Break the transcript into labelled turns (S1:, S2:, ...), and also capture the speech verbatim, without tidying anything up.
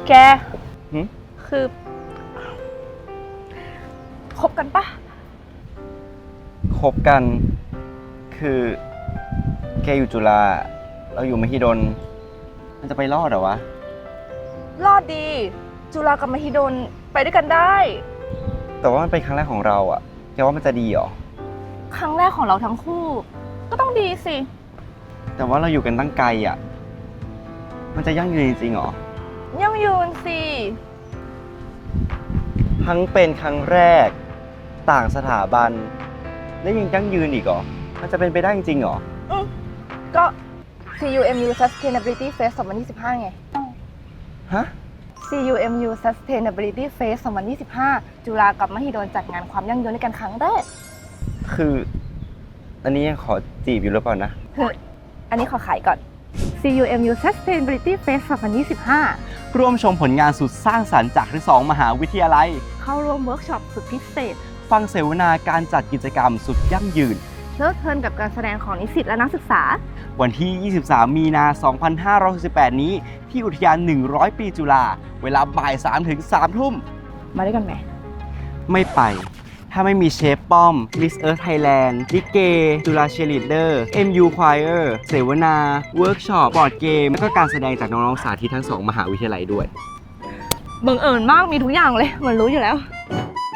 S1: แก
S2: หึ
S1: คือคบกันปะ
S2: คบกัน คือแกอยู่จุฬาเราอยู่มหิดลมันจะไปรอดเหรอวะ
S1: รอดดี จุฬากับมหิดลไปด้วยกันได้
S2: แต่ว่ามันเป็นครั้งแรกของเราอะแกว่ามันจะดีเหรอ
S1: ครั้งแรกของเราทั้งคู่ ก็ต้องดีสิ
S2: แต่ว่าเราอยู่กันตั้งไกลอะมันจะยั่งยืนจริงๆเหรอ
S1: ยั่งยืนสิ
S2: ทั้งเป็นครั้งแรกต่างสถาบัน และยังยั่งยืนอีกเหรอ มันจะเป็นไปได้จริงๆเหรอ
S1: อืมก็ ซี ยู เอ็ม ยู Sustainability Fest สองพันยี่สิบห้าไง
S2: ฮะ
S1: ซี ยู เอ็ม ยู Sustainability Fest สองพันยี่สิบห้า จุฬากับมหิดลจัดงานความยั่งยืนด้วยกันครั้งแรก
S2: คือ อันนี้ยังขอจีบอยู่หรือเปล่านะ
S1: เฮ้ยอันนี้ขอขายก่อน ซี ยู เอ็ม ยู Sustainability Fest สองพันยี่สิบห้า
S2: ร่วมชมผลงานสุดสร้างสรรค์จากทั้งสองมหาวิทยาลัย
S1: เข้าร่วมเวิร์กช็อปสุดพิเศษ
S2: ฟังเสวนาการจัดกิจกรรมสุดยั่งยืน
S1: เพลิดเพลินกับการแสดงของนิสิตและนักศึกษา
S2: วันที่ ยี่สิบสาม มีนา สองพันห้าร้อยหกสิบแปด นี้ ที่อุทยาน หนึ่งร้อย ปีจุฬา เวลาบ่าย สาม ถึง สาม ทุ่ม
S1: มาด้วยกันไหม
S2: ไม่ไป ถ้าไม่มีเชฟป้อม Miss Earth Thailand ลิเก จุฬาเชียร์ลีดเดอร์ เอ็ม ยู Choir เสวนา เวิร์กช็อป บอร์ดเกม และก็การแสดงจากน้องๆสาธิตทั้งสองมหาวิทยาลัยด้วย
S1: บังเอิญมากมีทุกอย่างเลย มันรู้อยู่แล้ว